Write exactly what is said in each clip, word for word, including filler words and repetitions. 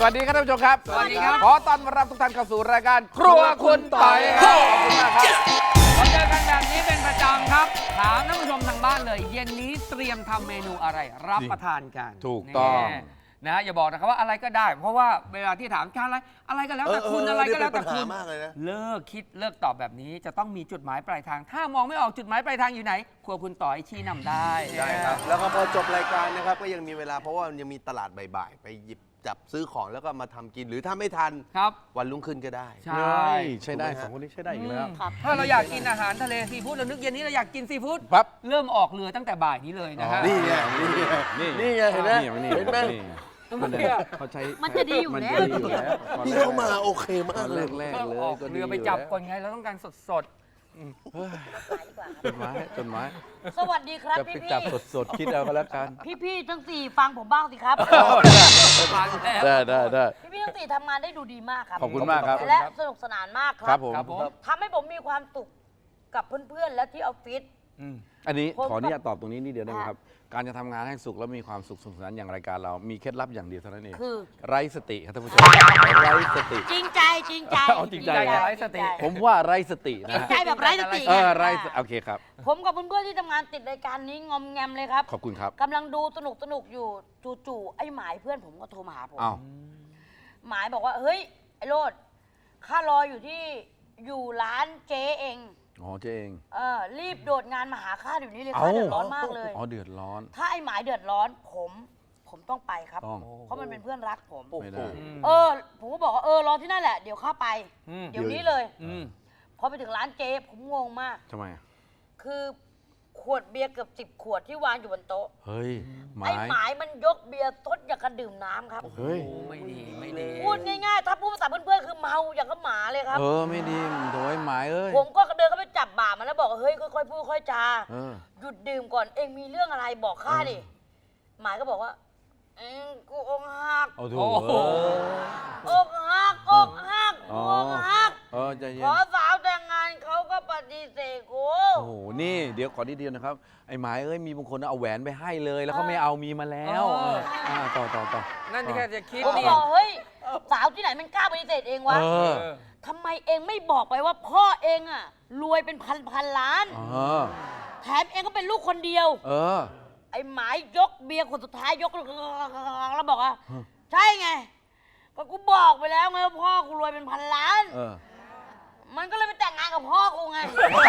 วัสดีครับท่านผู้ชมครับสวัสดีครับขอต้อนรับทุกท่านเข้าสู่รายการครัวคุณต่อยครับขอบคุณมากครับเราเจอกันแบบนี้เป็นประจำครับ ถามท่านผู้ชมทางบ้านเลย เย็นนี้เตรียมทำเมนูอะไรรับประทานกันถูกต้องแน่นะฮะอย่าบอกนะครับว่าอะไรก็ได้ เพราะว่าเวลาที่ถามการอะไรอะไรก็แล้วแต่คุณอะไรก็แล้วแต่คุณมากเลยนะเลิกคิดเลิกตอบแบบนี้จะต้องมีจุดหมายปลายทาง ถ้ามองไม่ออกจุดหมายปลายทางอยู่ไหนครัวคุณต่อยชี้นำได้ใช่ครับ แล้วก็พอจบรายการนะครับก็ยังมีเวลาเพราะว่ามันยังมีตลาดบ่ายๆไปหยิบจับซื้อของแล้วก็มาทำกินหรือถ้าไม่ทันครับวันรุ่งขึ้นก็ได้ใช่ใช่ได้สองคนนี้ใช่ได้อีกแล้วถ้าเราอยากกินอาหารทะเลซีฟู้ดเรานึกเย็นนี้เราอยากกินซีฟู้ดปั๊บเริ่มออกเรือตั้งแต่บ่ายนี้เลยนะฮะนี่ไงนี่ไงนี่นี่ไงเห็นไหมนี่เห็นไหมเขาใช้มันจะดีอยู่แล้วมันจะดีอยู่แล้วนี่เข้ามาโอเคตมาอก นเลยแรกๆเลยออกก็ดีเรือไปจับก่อนไงเราต้องการสดสดจดหมายจดหมายสวัสดีครับจะพี่ไปพี่จับสดๆคิดเอาก็แล้วกันพี่พี่ๆทั้งสี่ฟังผมบ้างสิครับๆผ่านแล้วได้ได้ได้พี่พี่ๆทั้งสี่ทำงานได้ดูดีมากครับขอบคุณมากครับและสนุกสนานมากคครัรับบ ผมครับผมทำให้ผมมีความสุขกับเพื่อนๆ และที่ออฟฟิศอืมอันนี้ผมขออนุญาตตอบตรงนี้นิดเดียวได้ไหมค่ะครับ การจะทำงานให้สุขแล้วมีความสุขสนุกสนานอย่างรายการเรา มีเคล็ดลับอย่างเดียวเท่านั้นเองคือไร้สติครับท่านผู้ชมไร้สติจริงใจจริงใจเอาจริงใจไร้สติผมว่าไร้สติจรินะงฮะใจแบบไร้สติเออไงไร้สโอเคครับผมกับเพื่อนๆที่ทำงานติดรายการนี้งอมแงมเลยครับขอบคุณครับกำลังดูสนุกสนุกๆอยู่จู่ๆไอ้หมายเพื่อนผมก็โทรมาหาผมอ้าวหมายบอกว่าเฮ้ยไอ้โรดข้ารออยู่ที่อยู่ร้านเจ๊เองอ๋อเจ๊เองเออรีบโดดงานมาหาข้าเดี๋ยวนี้เลยเอ้าข้าเดือดร้อนมากเลยอ๋อเดือดร้อนถ้าไอ้หมายเดือดร้อนผม ผมต้องไปครับต้องเพราะมันเป็นเพื่อนรักผมไม่ได้เออ ผมก็บอกว่าเออรอที่นั่นแหละเดี๋ยวข้าไปอืมเดี๋ยวนี้เลยอืมพอไปถึงร้านเจ๊ผมงงมากทำไมอ่ะคือขวดเบียร์เกือบสิบขวดที่วางอยู่บนโต๊ะเฮ้ยหมาไอ้ยหมายมันยกเบียร์ซดอย่างกับดื่มน้ำครับเฮ้ยโอ้ไม่ดีไม่ดีพูดง่ายๆ ถ้าพูดภาษาเพื่อนๆคือเมาอย่างกับหมาเลยครับเออไม่ดีโถยหมายเอ้ยผมก็เดินเข้าไปจับบ่ามันแล้วบอกว่าเฮ้ยค่อยๆพูดค่อยๆจาเออหยุดดื่มก่อนเองมีเรื่องอะไรบอกข้าดิหมายก็บอกว่าเองกูอกหักเอาถูโอ้กโหอกหักอกหักอ๋ออกหักเออใจเย็ขนอสาวแต่งงานเขาก็ปฏิเสธกูโอ้โหนี่เดี๋ยวขอนิดเดียวนะครับไอ้หมายเอ้ยมีบางคนเอาแหวนไปให้เลย แล้วเขาไม่เอามีมาแล้วเออเอออ่าต่อต่อต่อนั่นที่แค่จะคิดผมก็นี่บอกเฮ้ยสาวที่ไหนมันกล้าปฏิเสธเองวะเออเออทำไมเองไม่บอกไปว่าพ่อเองอะรวยเป็นพันพันๆล้านเออแถมเองก็เป็นลูกคนเดียวเออไอ้หมายยกเบียร์คนสุดท้ายยกแล้วบอกว่าฮะใช่ไง ก็กูบอกไปแล้วไงว่าพ่อกูรวยเป็นพันล้านเออมันก็เลยไปแต่งงานกับพ่อกูไง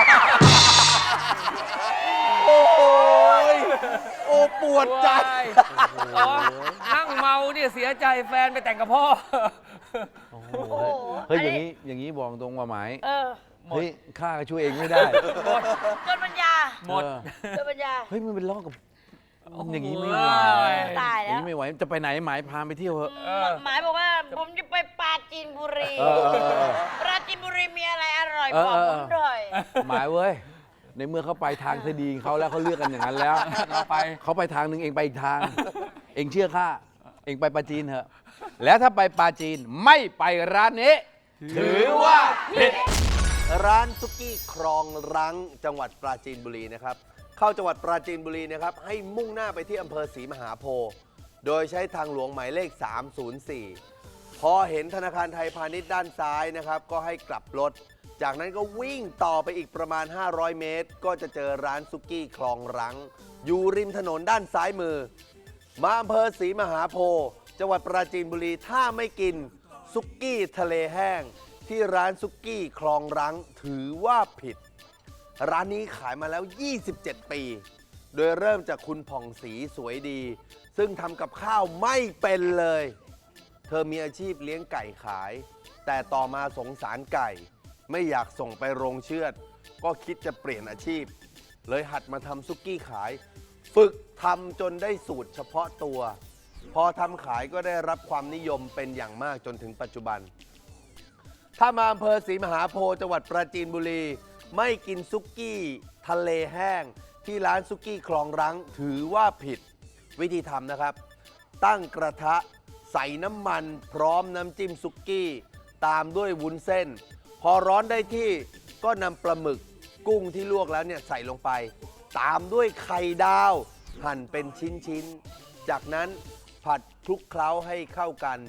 โอ้ยโอ้ปวดใจอ๋อนั่งเมาเนี่ยเสียใจแฟนไปแต่งกับพ่อโอ้โหโอ้โหเฮ้ยอันอนี้ย่างนี้อย่างนี้บอกตรงว่าหมายเออเฮ้ยข้าก็ช่วยเองไม่ได้จนปัญญาหมดเออจนปัญญาเฮ้ยมันเป็นล้อกับโอ้โหอย่างนี้ไม่ไหวตายอแล้ย่างวนี้ไม่ไหวจะไปไหนหมายพาไปเที่ยวเหอะเออหมายบอกว่าผมจะไปปราจีนบุรีเออเออเออปราจีนบุรีมีอะไรอร่อยเออบอกเออผมหน่อยหมายเว้ยในเมื่อเขาไปทางที่ดีของเขาแล้วเขาเลือกกันอย่างนั้นแล้วเราไปเขาไปทางหนึ่งเองไปอีกทาง เองเชื่อข้าเองไปปาจีนเถอะแล้วถ้าไปปาจีนไม่ไปร้านนี้ ถือว่าผิดร้านซุกี้ครองรังจังหวัดปราจีนบุรีนะครับเข้าจังหวัดปราจีนบุรีนะครับให้มุ่งหน้าไปที่อำเภอศรีมหาโพธิ์โดยใช้ทางหลวงหมายเลข สามศูนย์สี่ พอเห็นธนาคารไทยพาณิชย์ด้านซ้ายนะครับก็ให้กลับรถ จากนั้นก็วิ่งต่อไปอีกประมาณ ห้าร้อย เมตร ก็จะเจอร้านซุกี้คลองรัง อยู่ริมถนนด้านซ้ายมือ มาอำเภอศรีมหาโพธิ์จังหวัดปราจีนบุรีถ้าไม่กินซุกี้ทะเลแห้ง ที่ร้านซุกี้คลองรังถือว่าผิด ร้านนี้ขายมาแล้ว ยี่สิบเจ็ด ปี โดยเริ่มจากคุณผ่องศรีสวยดี ซึ่งทำกับข้าวไม่เป็นเลย เธอมีอาชีพเลี้ยงไก่ขาย แต่ต่อมาสงสารไก่ ไม่อยากส่งไปโรงเชือด ก็คิดจะเปลี่ยนอาชีพ เลยหัดมาทำซุกี้ขาย ฝึกทำจนได้สูตรเฉพาะตัว พอทำขายก็ได้รับความนิยมเป็นอย่างมากจนถึงปัจจุบัน ถ้ามาอำเภอศรีมหาโพธิ์จังหวัดปราจีนบุรี ไม่กินซุกี้ทะเลแห้ง ที่ร้านซุกี้คลองรังถือว่าผิด วิธีทำนะครับ ตั้งกระทะใส่น้ำมันพร้อมน้ำจิ้มซุกี้ ตามด้วยวุ้นเส้น พอร้อนได้ที่ก็นำปลาหมึกกุ้งที่ลวกแล้วเนี่ยใส่ลงไป ตามด้วยไข่ดาว หั่นเป็นชิ้นๆ จากนั้นผัดคลุกเคล้าให้เข้ากัน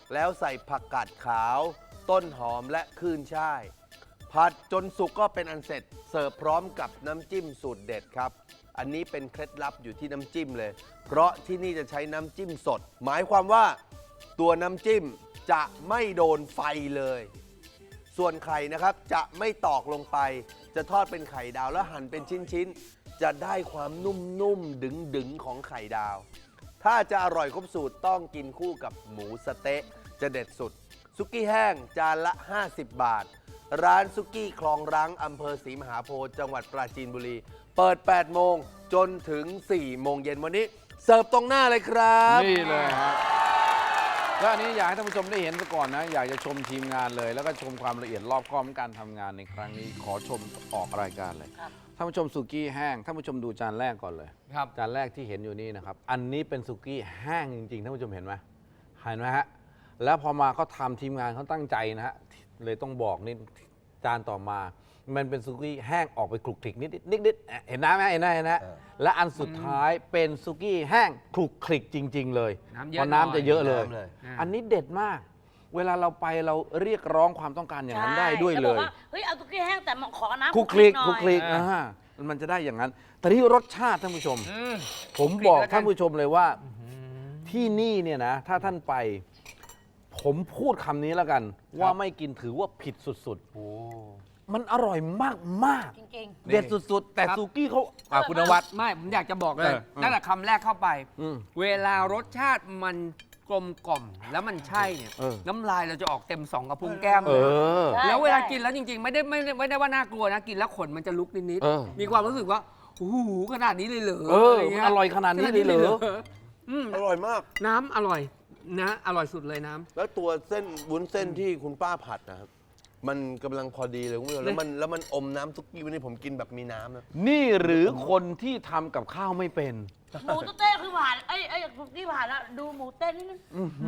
แล้วใส่ผักกาดขาว ต้นหอมและขึ้นช่าย ผัดจนสุกก็เป็นอันเสร็จเสิร์ฟพร้อมกับน้ำจิ้มสูตรเด็ดครับ อันนี้เป็นเคล็ดลับอยู่ที่น้ำจิ้มเลย เพราะที่นี่จะใช้น้ำจิ้มสด หมายความว่าตัวน้ำจิ้มจะไม่โดนไฟเลย ส่วนไข่นะครับจะไม่ตอกลงไป จะทอดเป็นไข่ดาวแล้วหั่นเป็นชิ้นๆ จะได้ความนุ่มๆ ดึงๆ ของไข่ดาว ถ้าจะอร่อยครบสูตรต้องกินคู่กับหมูสะเต๊ะจะเด็ดสุด ซุกี้แห้งจานละ ห้าสิบบาท ร้านซุกี้คลองรังอำเภอศรีมหาโพธิ์จังหวัดปราจีนบุรี เปิด แปดโมงจนถึง สี่โมงเย็นวันนี้ เสิร์ฟตรงหน้าเลยครับนี่เลยครับแล้วอันนี้อยากให้ท่านผู้ชมได้เห็นซะก่อนนะ อยากจะชมทีมงานเลย แล้วก็ชมความละเอียดรอบคอบของการทำงานในครั้งนี้ ขอชมออกรายการเลยครับท่านผู้ชมสุกี้แห้งท่านผู้ชมดูจานแรกก่อนเลยครับจานแรกที่เห็นอยู่นี่นะครับ อันนี้เป็นสุกี้แห้งจริงๆท่านผู้ชมเห็นไหมเห็นไหมฮะแล้วพอมาเขาทำทีมงานเขาตั้งใจนะฮะเลยต้องบอกนี่จานต่อมา มันเป็นสุกี้แห้งออกไปคลุกคลิกนิดๆนิดๆเห็นน้ำไหมเห็นไหมเห็นไหมเออและอันสุดท้ายเป็นสุกี้แห้งคลุกคลิกจริง ๆ เลยน้ำเยอะเพราะน้ำจะเยอะเลยน้ำเลยอันนี้เด็ดมาก เวลาเราไปเราเรียกร้องความต้องการอย่างนั้นได้ด้วยใช่เลแวบอกยว่าเฮ้ยเอาตุ๊กกี้แห้งแต่มาขอน้ำคลุกคลิกหน่อยคลุกคลิกอ่ามันจะได้อย่างนั้น แต่ที่รสชาติท่านผู้ชมอืมผมบอกคลุกคลิกแล้วกันท่านผู้ชมเลยว่าที่นี่เนี่ยนะ ถ้าท่านไป ผมพูดคำนี้แล้วกัน ว่าไม่กินถือว่าผิดสุดๆมันอร่อยมากมากๆจริงเด็ดสุดๆ แต่ครับซูกี้เขาอ่ะคุณนวัดไม่ ผมอยากจะบอกเลยเออเออตั้งแต่คำแรกเข้าไปอืมเวลารสชาติมันกลมกล่อมแล้วมันใช่เนี่ยเออน้ำลายเราจะออกเต็มสองกระพุ้งแก้มเอเลยอใช่แล้วเวลากินแล้วจริงๆ ไม่ได้ไม่ได้ไม่ได้ว่าน่ากลัวนะ กินแล้วขนมันจะลุกนิดเออๆมีความรู้สึกว่าโอ้โหขนาดนี้เลยเหรอเออะไเงี้มันอร่อยขนาดนี้เลยเหรออืมอร่อยมากน้ำอร่อยนะ อร่อยสุดเลยน้ำแล้วตัวเส้นวุ้นเส้นที่คุณป้าผัดนะครับ มันกำลังพอดีเลยคุณผู้ชมแล้วมันแล้วมันอมน้ำซุกี้วันนี้ผมกินแบบมีน้ำนะนี่หรือคนที่ทำกับข้าวไม่เป็นๆ หมูตุ๊กเต้คือผ่านเอ้ยเอ้ยตุ๊กกี้ผ่านแล้วดูหมูเต้นนิดนึง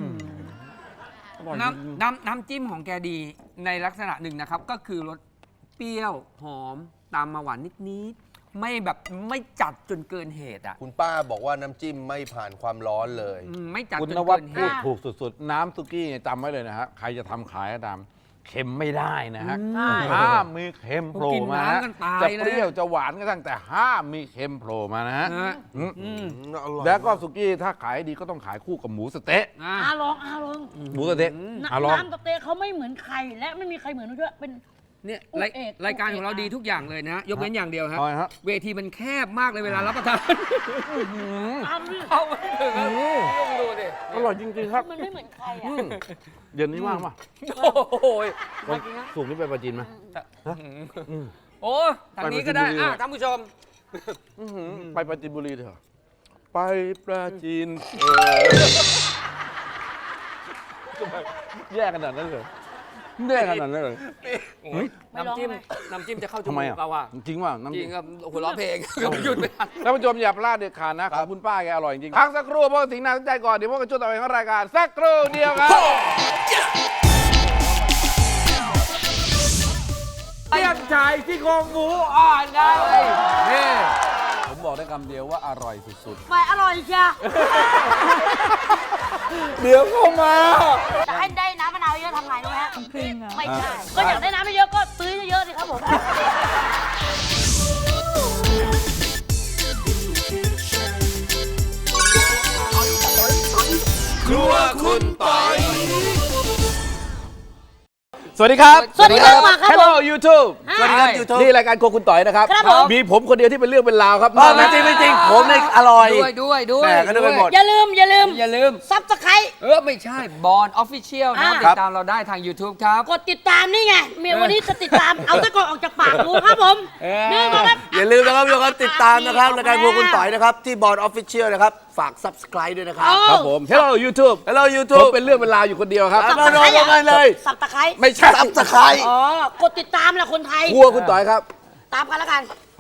น้ำน้ำน้ำจิ้มของแกดีในลักษณะหนึ่งนะครับ ก็คือรสเปรี้ยวหอมตามมาหวานนิดๆไม่แบบไม่จัดจนเกินเหตุอ่ะคุณป้าบอกว่าน้ำจิ้มไม่ผ่านความร้อนเลยอืมไม่จัดคุณจนนวัดเกินเหพูดตุถูกสุดๆ น้ำซุกี้เนี่ยจำไว้เลยนะฮะ ใครจะทำขายก็ตามเค็มไม่ได้นะฮะใช่ห้ามมีเค็มโผล่มานะกินน้ำกันตายจะนะเปรี้ยวจะหวานก็ตั้งแต่ห้ามมีเค็มโผล่มานะฮะนะฮะอืมอืมอร่อยแล้วก็สุกี้ถ้าขายดีก็ต้องขายคู่กับหมูสะเต๊ะอ่ะอาลองอาลองหมูสะเต๊ะน้อ่ะลองำตุ๊กเต้เขาไม่เหมือนใครและไม่มีใครเหมือนด้วยเป็นเนี่ยอุ๊ยรายเอกรายการอุ๊ยของเราเอกดีทุกอย่างเลยนะ ยกเว้นอย่างเดียวครับเอาไงฮะเวทีมันแคบมากเลยเวลารับประทานตามดิเข้าไม่ถึงครับลองดูดิอร่อยจริงๆครับมันไม่เหมือนใครอ่ะอืมเย็นนี้ว่างป่ะโอ้โหวันสุกร์นี้ไปปราจีนไหม อืมโอ้ทางนี้ก็ได้ไปปราจีนบุรีอ่ะท่านผู้ชมอื้อหือไปปราจีนบุรีเถอะไปปราจีนเออแย่ขนาดนั้นเลยแย่ขนาดนั้นเลยโอ้ยไม่ร้องน้ำจิ้มไหมน้ำจิ้มจะเข้าจทำไมมูกอ่ะเราอ่ะจริงว่าน้ำจจิ้ริมงครับหัวเราะเพลงหยุดไม่ทันท่านผู้ชมอย่าพลาดเด็ดขาดนะของคุณป้าแกอร่อยจริงพักสักครู่เพราะสิ่งน่าสนใจก่อนเดี๋ยวพวกกันช่วงต่อไปของรายการสักครู่เดียวครับเตี้ยนชายที่โครงหมูอ่อนไงนี่ผมบอกได้คำเดียวว่าอร่อยสุดไปอร่อยเชียๆ เดี๋ยวเข้ามาจะให้ได้น้ำมะนาวเยอะทำไงรู้ไหมฮะไม่ใช่ ก็อยากได้น้ำไม่เยอะก็ซื้อเยอะๆสิครับผมครัวคุณปอยสวัสดีครับสวัสดีครับมาครับ Hello YouTube สวัสดีครับ YouTube นี่รายการโครัวคุณต่อยนะครับครับผมมีผมคนเดียวที่เป็นเรื่องเป็นราวครับอ๋อไม่จริงไม่จริงผมเนี่ยอร่อยด้วยด้วยด้วยแหม่ก็นึกไปหมดอย่าลืมอย่าลืมอย่าลืมซับสไครเออ ไม่ใช่บอลออฟฟิเชียลนะอ่าติดตามเราได้ทาง YouTube ครับกดติดตามนี่ไงเมียวันนี้จะติดตาม เอาตะกอนออกจากปากดูครับผมเออนี่มาครับอย่าลืมนะครับทุกคนติดตามนะครับรายการพวกคุณต่อยนะครับที่บอร์ดออฟฟิเชียลนะครับฝาก Subscribe ด้วยนะครับเอาครับผม Hello YouTube Hello ผม YouTube เป็นเรื่องเป็นราวอยู่คนเดียวครับมาโดนกันเลยสับตะไคร้ไม่ใช่ Subscribe อ๋อกดติดตามแหละคนไทยครัวคุณต่อยครับตามกันแล้วกัน